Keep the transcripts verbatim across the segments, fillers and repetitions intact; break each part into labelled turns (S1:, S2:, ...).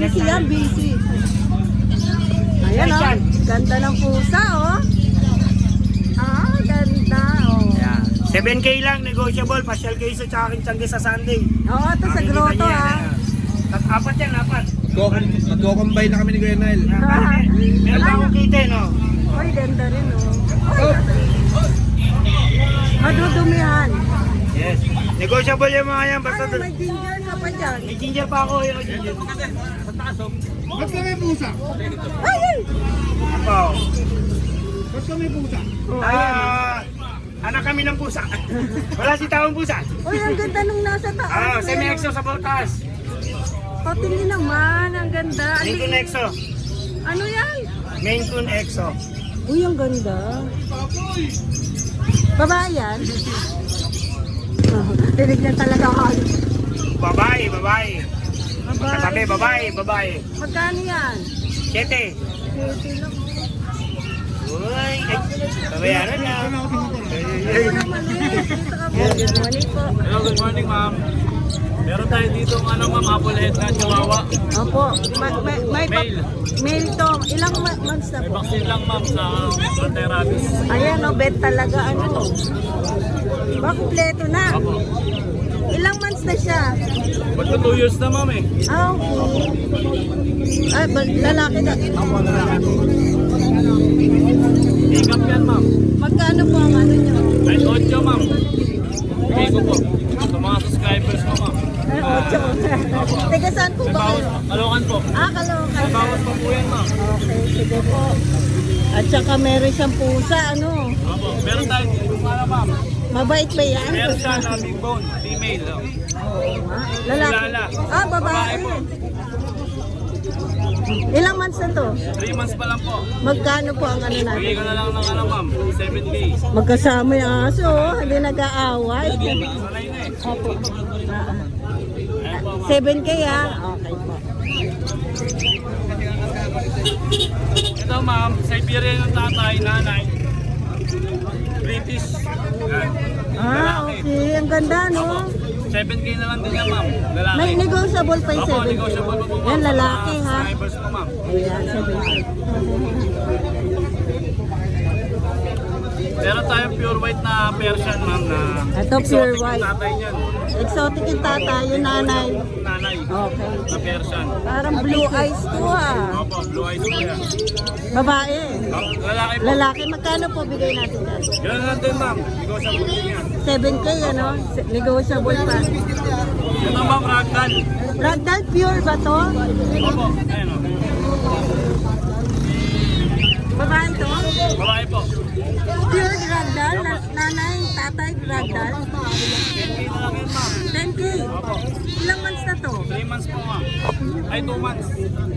S1: Busy yan, busy. Ayan o, oh. Ganda ng pusa oh. Ah, ganda oh.
S2: Yeah. seven K lang, negotiable. Pasyal kayo sa tsaka Kinchangge sa Sunday.
S1: Oo, ito sa grotto ah.
S2: Tat- apat yan, apat.
S3: Magko-combine na kami ni Kuya Nile.
S1: Ah.
S2: Meron pa akong kita, no?
S1: Uy, ganda rin oh. Uy, madudumihan.
S2: Yes. Negotiable yung mga yan. Basta
S1: Ay, may ginger ka pa dyan.
S2: may ginger pa ako. Yung ginger.
S3: Ba't ka may pusa?
S1: Ay, ay.
S2: Ako.
S3: Ba't ka may pusa?
S1: Oh, ayan.
S2: Ah, anak kami ng pusa. Wala si taong pusa.
S1: Uy, ang ganda nung nasa taas.
S2: Ah, semi-exo sa Baltas.
S1: O, tingin naman, ang ganda.
S2: Maine Coon Exo.
S1: Ano yan?
S2: Maine Coon Exo.
S1: Uy, ang ganda. Babae yan? Oh, tinignan talaga ako.
S2: Babae, babae. Kasabi,
S1: Babae.
S2: babae, babae.
S1: Magkano yan?
S2: Siyete.
S1: Twenty lang.
S2: Uy, ay, babayaran na.
S1: Ito naman eh. Dito ka po. Good morning po.
S4: Hello, good morning ma'am. Meron tayo dito ng ano ma'am, apple head na chihuahua.
S1: Opo. May, may, may pa-
S4: Male.
S1: Male to. Ilang ma- months na
S4: May
S1: po?
S4: vaccine lang ma'am sa anti-rabies.
S1: Ayan o, bet talaga. Ano to? Ba, kumpleto na.
S4: Apo.
S1: Ilang months na siya?
S4: Ba't ko two years na ma'am eh?
S1: Ah, okay. Ay, ba- lalaki na.
S4: Apo, lalaki. Pick up yan ma'am.
S1: Magkano po ang ano nyo?
S4: Kahit ocho ma'am. Bigay ko po. Sa mga subscribers mo ma'am.
S1: Ay, ocho. Teka, saan po
S4: May
S1: ba
S4: bawas,
S1: kayo?
S4: kalokan po.
S1: Ah, Caloocan.
S4: May bawas pa po yan ma'am.
S1: Okay, sige po. At saka meron siyang pusa, ano?
S4: Apo, meron tayo dito ano ma'am.
S1: Mabait ba yan?
S4: Meron siya na big bone, female. oh.
S1: Lalaki.
S4: Lala.
S1: Ah, babae.
S4: Babae po.
S1: Ilang months na to?
S4: three months pa lang po.
S1: Magkano po ang ano
S4: Bigay
S1: natin?
S4: ko na lang ng ano ma'am, seven K.
S1: Magkasama yung aso, oh. Hindi nag-aaway.
S4: Sanay na eh.
S1: Opo. Ah,
S4: Ayan po ma'am.
S1: seven K ah. Okay po.
S4: Ito ma'am, Siberian ng tatay, nanay. British. Yan.
S1: Ah, okay. Ang ganda, no?
S4: seven K na lang din yan ma'am. Lalaki.
S1: May negotiable pa yung
S4: Opo,
S1: seven K.
S4: negotiable pa po ma'am.
S1: Yan, lalaki
S4: Sa mga
S1: ha.
S4: subscribers po ma'am.
S1: Ayan, seven K.
S4: Meron tayong pure white na Persian ma'am na
S1: Ito, pure
S4: exotic yung
S1: white.
S4: tatay niyan.
S1: Exotic yung tata, yung nanay.
S4: Nanay.
S1: Okay.
S4: Na Persian.
S1: Parang blue eyes to ah.
S4: Opo, blue eyes po yan.
S1: Babae.
S4: Oh, lalaki po.
S1: Lalaki, magkano po bigay natin yan?
S4: Ganun lang din ma'am. Ikaw sa buti yan.
S1: seven K ano? Se- Negotiable pa.
S4: Ito ma'am, ragdoll.
S1: Ragdoll pure ba to?
S4: Opo, ayun o.
S1: Babae to?
S4: Babae po.
S1: Pure ragdoll? Na- nanay, tatay, ragdoll?
S4: ten K na lang yan ma'am.
S1: ten K.
S4: Opo.
S1: Ilang months na to?
S4: three months po ma'am. Ay, two months.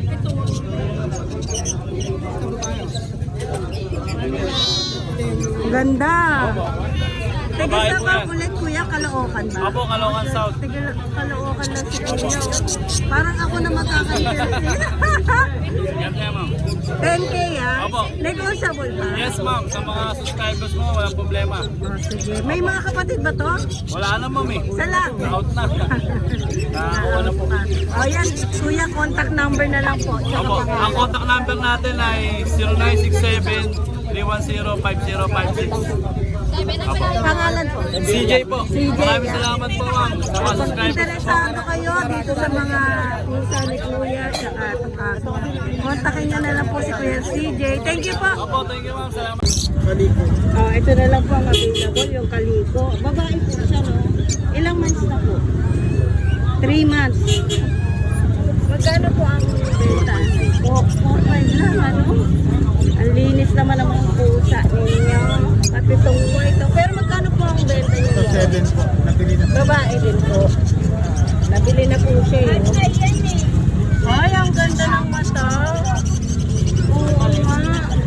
S1: Ganda. Teka
S4: Babae
S1: sa
S4: po
S1: ka
S4: yan.
S1: ulit kuya, Caloocan ba?
S4: Opo, Caloocan South.
S1: Teka, Caloocan lang si kuya. Parang ako na makakalimutan.
S4: Ganda yan ma'am.
S1: ten K ah?
S4: Opo.
S1: Negotiable pa?
S4: Yes ma'am, sa mga subscribers mo, walang problema.
S1: Oh, sige. May mga kapatid ba to?
S4: Wala na ma'am eh.
S1: Isa lang.
S4: Out na. Nakakuha na po.
S1: O yan, kuya, contact number na lang po. Tsaka
S4: Opo, ang
S1: pangalan.
S4: contact number natin ay zero nine six seven, three one zero, five zero five six.
S1: Pangalan po.
S4: C J po.
S1: C J,
S4: Maraming
S1: yeah.
S4: salamat po ma'am sa mga
S1: Kung
S4: subscribers.
S1: interesado kayo dito sa mga pusa ni Kuya tsaka itong aso, kontakin niyo na lang po si Kuya C J. Thank you po.
S4: Opo, thank you ma'am. Salamat.
S1: Oh, ito na lang po ang available, yung kaliko. Babae po siya, no? Ilang months na po? Three months. Magkano po ang benta? four five lang, ano? Ang linis naman ang mga pusa ninyo. Pati itong white. oh. Pero magkano po ang benta niyo?
S3: seven po. Napili na.
S1: Babae din po. Nabili na po siya eh. Ay, ang ganda ng mata. Oo nga.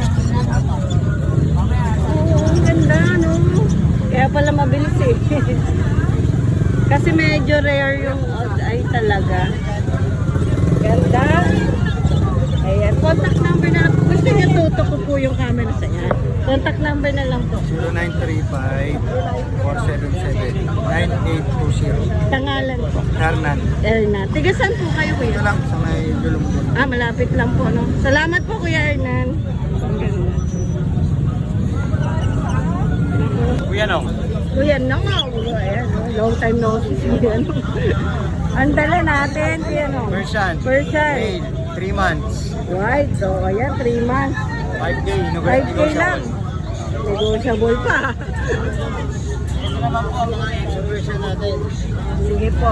S1: Oo, ang ganda, no? Kaya pala mabilis eh. Kasi medyo rare yung ay talaga. Ganda. Ayan, contact number na lang po. Gusto Kasi natuto ko po yung camera sa yan. Contact number na lang po.
S3: zero nine three five, four seven seven, nine eight two zero.
S1: Tangalan po.
S3: Hernan.
S1: Ernan. Tigasan po kayo,
S3: Ito
S1: kuya.
S3: lang sa may Dulumdul.
S1: Ah, malapit lang po, no? Salamat po, Kuya Ernan. Ang ganda.
S3: Kuya no?
S1: Kuya, no? Ayan, no? Long time no see. Kuya, no? Ang dala natin, kuya, no?
S3: Persian.
S1: Persian.
S3: Male, three months.
S1: White, so ayan, three months.
S3: five K.
S1: five K lang. Negotiable pa.
S3: Ito naman po ang mga exhibition natin.
S1: Sige po.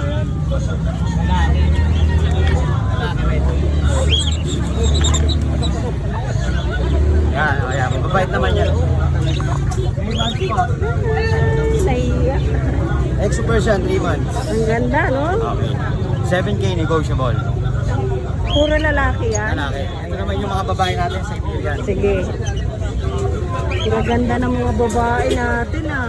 S3: Yan, o yan. Mababait naman yan.
S1: Naiya.
S3: Exo Persian, three months.
S1: Ang ganda, no?
S3: Okay. seven K negotiable.
S1: Puro lalaki yan.
S3: Lalaki. Ito naman yung mga babae natin sa Iberian.
S1: Sige. Ang ganda ng mga babae natin, ah.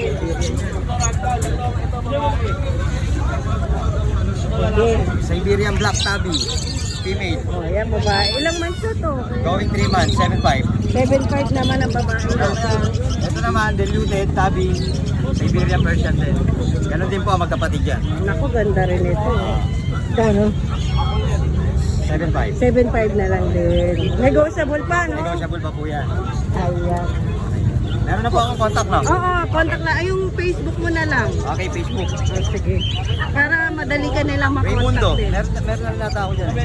S1: Sige.
S3: Siberian Black Tabby. Female.
S1: O, ayan, babae. Ilang months na to?
S3: Going three months, seven five.
S1: seven five naman ang babae natin.
S3: Ito naman, diluted, Tabby. Siberian Persian din. Ganon din po ang magkapatid yan.
S1: Naku, ganda rin ito. Kano?
S3: seven five.
S1: seven five na lang din. Negotiable pa, no?
S3: Negotiable pa po yan.
S1: Ayan.
S3: Meron na po akong contact na.
S1: Oo, contact na. Ay, yung Facebook mo na lang.
S3: Okay, Facebook.
S1: Oh, sige. Para madali ka nilang
S3: Raymundo.
S1: makontak din.
S3: Meron, meron na nata ako dyan.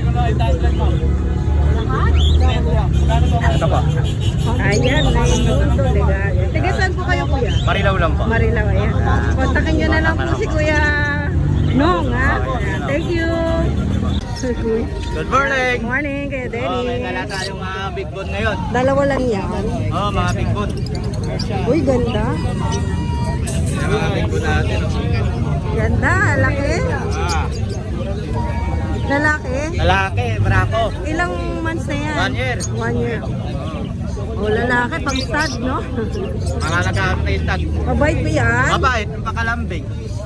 S3: Ito pa.
S1: Ayan, Raymundo. Legal. Tiga saan po kayo, kuya?
S3: Marilaw lang po.
S1: Marilaw, ayan. Kontakin nyo na lang po si Kuya Nong, ha? Ayan. Thank you. Good
S3: Good morning.
S1: morning, Kuya
S3: Oh, may dala
S1: Denny.
S3: tayong mga big bone ngayon.
S1: Dalawa lang yan.
S3: Oh, mga big bone.
S1: Uy, ganda.
S3: Yung mga big bone natin. Oh.
S1: Ganda, laki.
S3: Ah,
S1: Lalaki.
S3: lalaki, brako.
S1: Ilang months na yan?
S3: One year.
S1: One year. O, lalaki, pang stud, no?
S3: Mga nag-aartistag.
S1: Mabait ba yan?
S3: Mabait, yung pakalambing.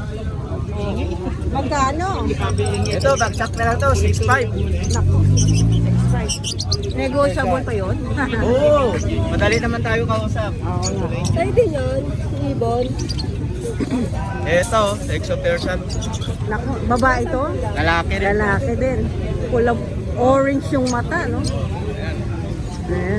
S1: Magkano?
S3: Ito, bagsak na lang to, six five.
S1: Naku, six five. Negotiable pa yun?
S3: Oo, madali naman tayo kausap.
S1: Oo nga. Tayo din yun, Ibon.
S3: Ito, Exo Persian.
S1: Naku, babae to?
S3: Lalaki rin.
S1: Lalaki din. Kulang orange yung mata, no? Ayan.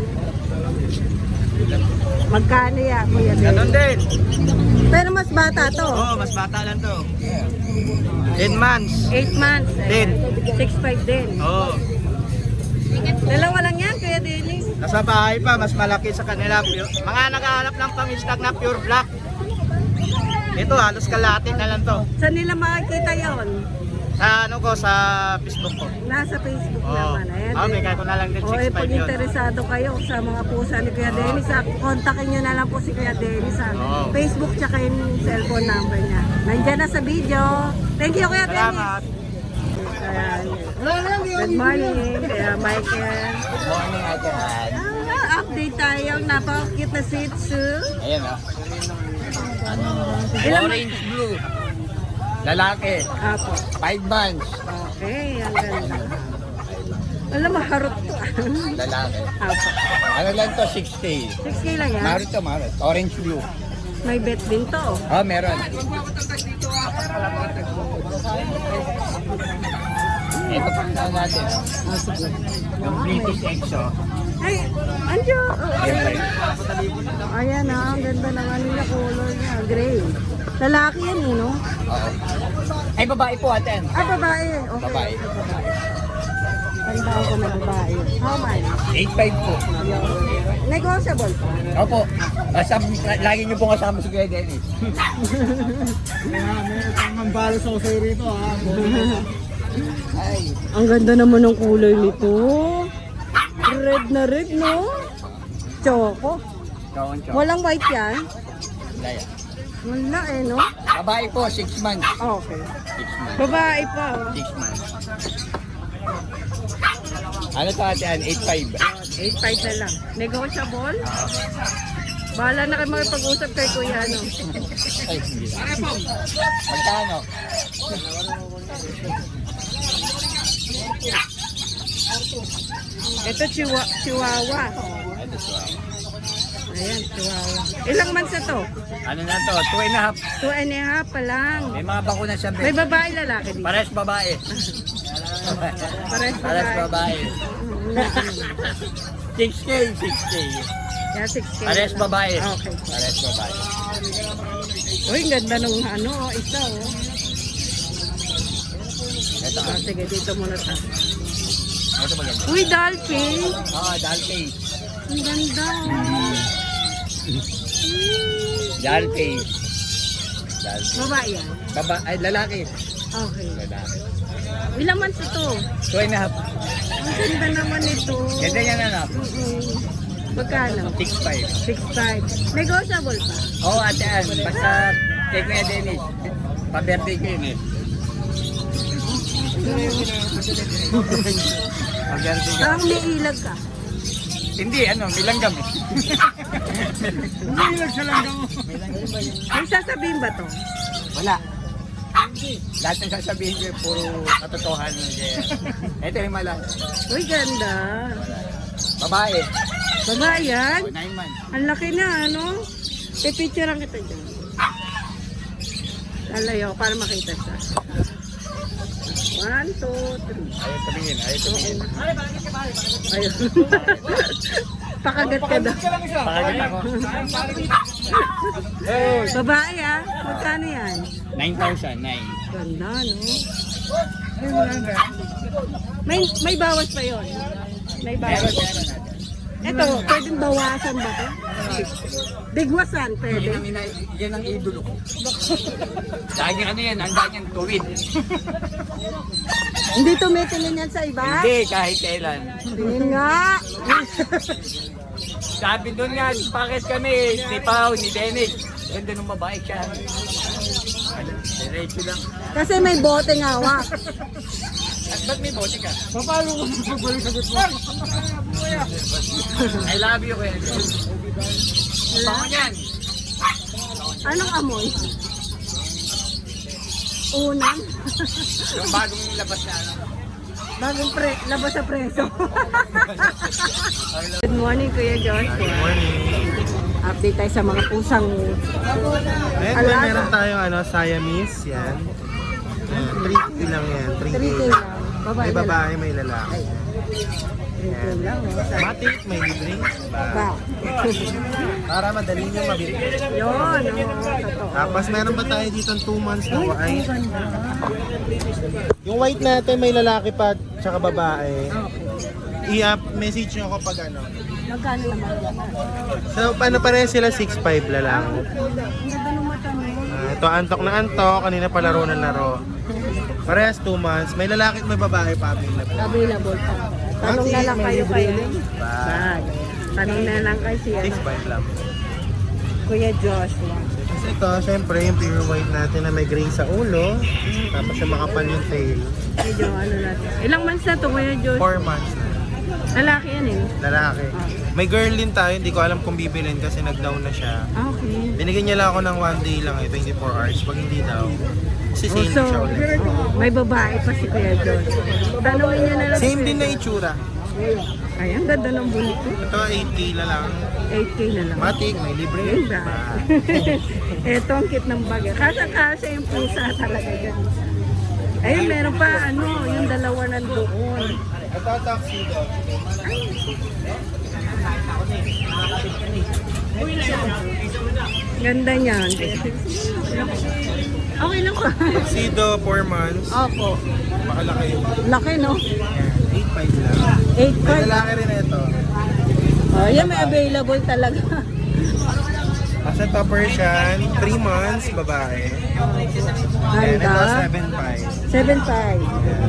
S1: Magkano yan, Kuya Ben?
S3: Ganon din.
S1: Pero mas bata to.
S3: Oo, oh, mas bata lang to. ten months.
S1: eight months.
S3: Din.
S1: six five din.
S3: Oo.
S1: Dalawa lang yan, Kuya Denny.
S3: Nasa bahay pa, mas malaki sa kanila. Pure- Mga naghahanap ng pang-stag na pure black. Ito, halos kalahati na lang to.
S1: Saan nila makikita yon?
S3: Sa ano ko, sa Facebook ko.
S1: Nasa Facebook
S3: Oo.
S1: naman. Ayan.
S3: Ah, bigay ko na lang din
S1: O,
S3: six
S1: eh,
S3: five
S1: pag
S3: yun.
S1: interesado kayo sa mga pusa ni Kuya Dennis, ah, kontakin nyo na lang po si Kuya Dennis sa
S3: Oo.
S1: Facebook tsaka yung cellphone number niya. Nandyan na sa video. Thank you, Kuya Dennis.
S3: Salamat.
S1: Ayan. Good morning, Kuya Michael.
S3: Good morning, Atan.
S1: Ah, update tayo. Napaka-cute na Shih Tzu.
S3: Ayan ah.
S1: Ilang
S3: Orange blue. Lalaki.
S1: Apo.
S3: five months.
S1: Okay, ang ganda. Alam, maharot to.
S3: Lalaki.
S1: Apo.
S3: Ano lang to, six K.
S1: six K lang yan.
S3: Marito, marito. Orange blue.
S1: May bet din to.
S3: Ah, meron. Ito pa ang natin.
S1: Ah, sige.
S3: Yung British Exo.
S1: Ay, anjo. Ayan na, ang ganda ng ano niya, color niya, gray. Lalaki yan eh, no?
S3: Oo. Ay, babae po, aten.
S1: Ah, babae. Okay.
S3: Babae.
S1: Tandaan ko na babae. How much?
S3: eight five po.
S1: Ayun. Negotiable pa.
S3: Opo. Kasama, lagi niyo po kasama si Kuya Dennis. May balo sa usay rito, ha? Ay.
S1: Ang ganda naman ng kulay nito. Red na red, no? Choco.
S3: Kaon, kaon.
S1: Walang white yan?
S3: Laya.
S1: Wala eh, no?
S3: Babae po, six months.
S1: Okay.
S3: six months.
S1: Babae pa. oh.
S3: six months. Ano to atin? eight five.
S1: eight five na lang. Negotiable? Bahala na kayo makipag-usap kay Kuya, no?
S3: Ay, hindi. Magkano?
S1: Ito, chiwa, chihuahua. Ayan, chihuahua. Ilang months na to?
S3: Ano na to? Two and a half.
S1: Two and a half pa lang.
S3: May mga bakuna siya.
S1: May babae, lalaki dito.
S3: Pares babae.
S1: Pares
S3: Pares
S1: babae.
S3: babae. six K, six K.
S1: Yeah, six K.
S3: Pares babae.
S1: Okay.
S3: Pares babae.
S1: Uy, ganda nung ano, oh, isa oh.
S3: Ito.
S1: Ah, sige, dito muna ta.
S3: Ito maganda.
S1: Uy, dolphin.
S3: Oo, Dalpay.
S1: Ang ganda oh.
S3: Dalpay. Dalpay.
S1: Babae yan.
S3: Baba, ay lalaki.
S1: Okay.
S3: Lalaki.
S1: Ilang months ito?
S3: Two and a half.
S1: Ang ganda naman ito.
S3: Ganda yan anak.
S1: Mm-mm. Magkano?
S3: six five.
S1: six five. Negotiable pa.
S3: Oo, oh, ate Ann. Basta take ko yan, Dennis. Pa-birthday ko yun eh. Pa-birthday ko.
S1: Parang may ilag ka.
S3: Hindi, ano, may langgam eh. Hindi ilag sa langgam mo.
S1: May sasabihin ba to?
S3: Wala. Lahat ng sasabihin ko, puro katotohanan. Ito yung malang.
S1: Uy, ganda.
S3: Babae.
S1: Babae yan?
S3: Oh, nine months.
S1: Ang laki na, ano? Pipicturean kita dyan. Lalayo, para makita siya. One, two, three.
S3: Ayaw tumingin, ayaw tumingin.
S1: Ayun. Pakagat ka daw.
S3: Pakagat ako.
S1: Babae ah. Magkano yan?
S3: nine thousand, nine.
S1: Ganda, no? May, may bawas pa yon. May
S3: Meron,
S1: bawas.
S3: meron natin.
S1: Ito, pwedeng bawasan ba to? Bigwasan,
S3: Yan
S1: pwede.
S3: ang, ina- yan ang idolo ko. Lagi ano yan, handa niyang tuwid.
S1: Hindi tumitingin yan sa iba?
S3: Hindi, kahit kailan.
S1: Tingin nga.
S3: Sabi doon nga, bakit kami, ni Pao, ni Dennis. Ganda nung babae siya. Diretso lang.
S1: Kasi may bote nga hawak.
S3: At ba't may bote ka? Papalo ko sa pagbalik mo. I love you, kuya. Bango niyan.
S1: Anong amoy? Unang.
S3: Yung bagong labas na ano.
S1: Bagong pre labas sa preso. Good morning, Kuya Josh. Good morning. Update tayo sa mga pusang
S5: Ayan,
S1: alaga.
S5: well, meron tayong ano, Siamese, yan. Ayan, three K lang yan, three K.
S1: three K lang. Babae
S5: May
S1: na lang.
S5: babae, may lalaki.
S1: three K lang. Oh.
S5: Matik, may libre.
S1: Ba.
S5: Para madali nyo mabili.
S1: Yun, oh, totoo.
S5: Tapos meron pa tayo dito two months na white. Yung white natin, may lalaki pa, tsaka babae. I-up, message nyo ako pag ano.
S1: Magkano naman yan?
S5: So, ano pa rin sila, six five lalaki.
S1: Ang ganda ng mata mo.
S5: Ah, ito, antok na antok, kanina pa laro na laro. Parehas two months, may lalaki at may babae pa available.
S1: Available pa. Tanong na lang
S5: May
S1: kayo
S5: libre
S1: kay
S5: rin.
S1: Bag. Tanong na lang kay si
S5: six
S1: ano,
S5: five lang.
S1: Kuya Joshua.
S5: Kasi ito, syempre, yung pure white natin na may gray sa ulo, tapos yung makapal yung tail.
S1: Medyo ano natin. Ilang months na to, Kuya Joshua?
S5: four months na.
S1: Lalaki yan eh.
S5: Lalaki. May girl din tayo, hindi ko alam kung bibilin kasi nag-down na siya.
S1: Ah, okay.
S5: Binigyan niya lang ako ng one day lang eh, twenty-four hours. Pag hindi daw, kasi sale
S1: Also,
S5: siya ulit.
S1: may babae pa si Kuya Joshua. Tanungin niyo na lang. si
S5: Same
S1: Kuya
S5: din na
S1: Joshua.
S5: itsura.
S1: Ay, ang ganda ng bulit ko.
S5: Ito, eight K na lang.
S1: eight K na lang.
S5: Matik, may libre.
S1: Ayun ba? Eto ang cute ng bagay. Kasa-kasa yung pusa talaga dyan. Ayun, meron pa ano, yung dalawa nandoon.
S5: Ito, tuxedo.
S1: Ganda niyan. Okay lang ko.
S5: Tuxedo, four months.
S1: Opo.
S5: Makalaki yun.
S1: Laki, no?
S5: eight five lang.
S1: eight
S5: May
S1: five.
S5: lalaki rin ito.
S1: Oh, yan may available talaga.
S5: Kasi ito Persian, three months, babae. And ito,
S1: Ganda.
S5: seven five.
S1: seven five.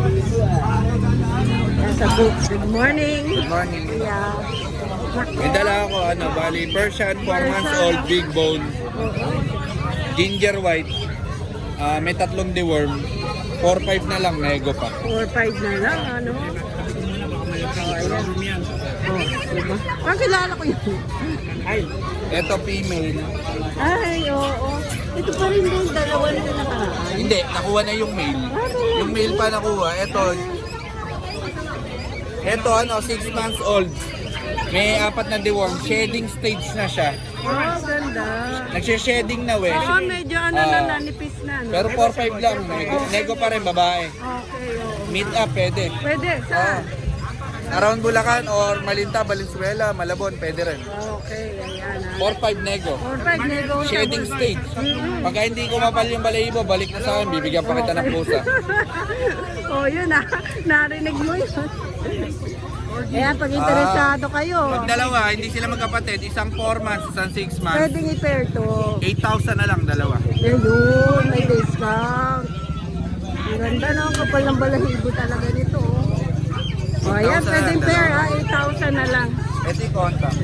S1: Nasa book. Good morning.
S3: Good morning.
S1: Yeah.
S6: May dala ako, ano, bali, Persian, four months old, big bone, ginger white, ah, may tatlong deworm, four five na lang, nego pa.
S1: four five na lang, ano? Oh, ayan. Oh, diba? Parang kilala ko yun.
S6: Ito female,
S1: Ay, oo. Ito pa rin din, dalawa na nakaraan.
S6: hindi, nakuha na yung male. Yung male pa nakuha, ito, Ito ano, six months old. May apat na deworm. Shedding stage na siya.
S1: Oh, ganda.
S6: Nagshe-shedding na we.
S1: Oo, medyo ano na
S6: Ah.
S1: nanipis na. No?
S6: Pero four five lang. Nego, nego pa rin, babae.
S1: Okay, oo.
S6: Meet up, pwede.
S1: Pwede,
S6: Ah.
S1: saan?
S6: Around Bulacan or Malinta, Valenzuela, Malabon, pwede rin.
S1: Okay, ayan ha.
S6: four five nego.
S1: Perfect, negotiable.
S6: Shedding stage. Pagka hindi ko mapal yung balahibo, balik na sa akin, bibigyan pa kita ng pusa.
S1: Oh, yun ah. Narinig mo yun. Kaya pag interesado kayo,
S6: Pag dalawa, hindi sila magkapatid, isang four months, isang six months,
S1: pwedeng i-pair to.
S6: eight thousand na lang dalawa.
S1: Ayun, may discount. Ang ganda no, ang kapal ng balahibo talaga nito. Oh, oh ayan,
S6: eight thousand
S1: pwedeng
S6: na
S1: pair
S6: lang.
S1: ha, eight thousand na lang.
S6: Ito yung contact.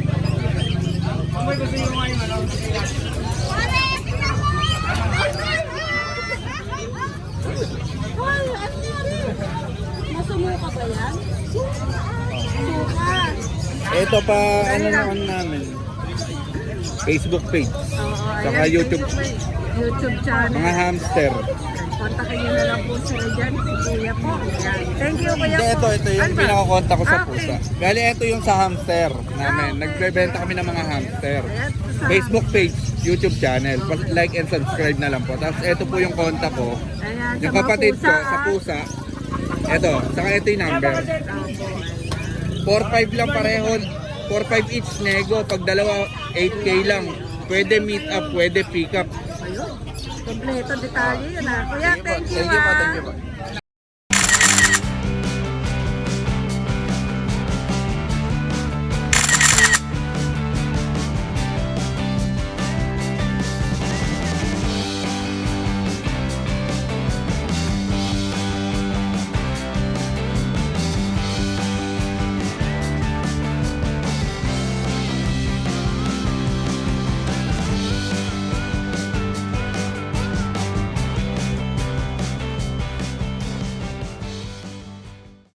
S1: Hoy, ano yan? Masumuka pa yan? Suka.
S6: Ito pa, ano na ano namin. Facebook page.
S1: Oo,
S6: Saka
S1: ayan,
S6: YouTube.
S1: Facebook, YouTube channel.
S6: Mga hamster.
S1: Kontakin nyo na lang po sila dyan, si Kuya po. Ayan. Thank you, Kuya
S6: Hindi,
S1: po.
S6: ito, ito yung
S1: Ano ba?
S6: pinakakonta ko sa
S1: Ah, okay.
S6: pusa. Bali, ito yung sa hamster namin.
S1: Ah, okay.
S6: Nagbebenta kami ng mga hamster.
S1: Ayan, sa-
S6: Facebook page, YouTube channel. Pa- Like and subscribe na lang po. Tapos ito po yung konta ko.
S1: Ayan,
S6: Yung
S1: sa mga
S6: kapatid ko
S1: pusa,
S6: sa
S1: ah.
S6: pusa. Ito, saka ito yung number. four five lang pareho. four five each nego. Pag dalawa, eight K lang. Pwede meet up, pwede pick up.
S1: Ayun, kompleto detalye yun ah. Kuya, thank you
S6: Thank you po,
S1: ah.
S6: thank you po.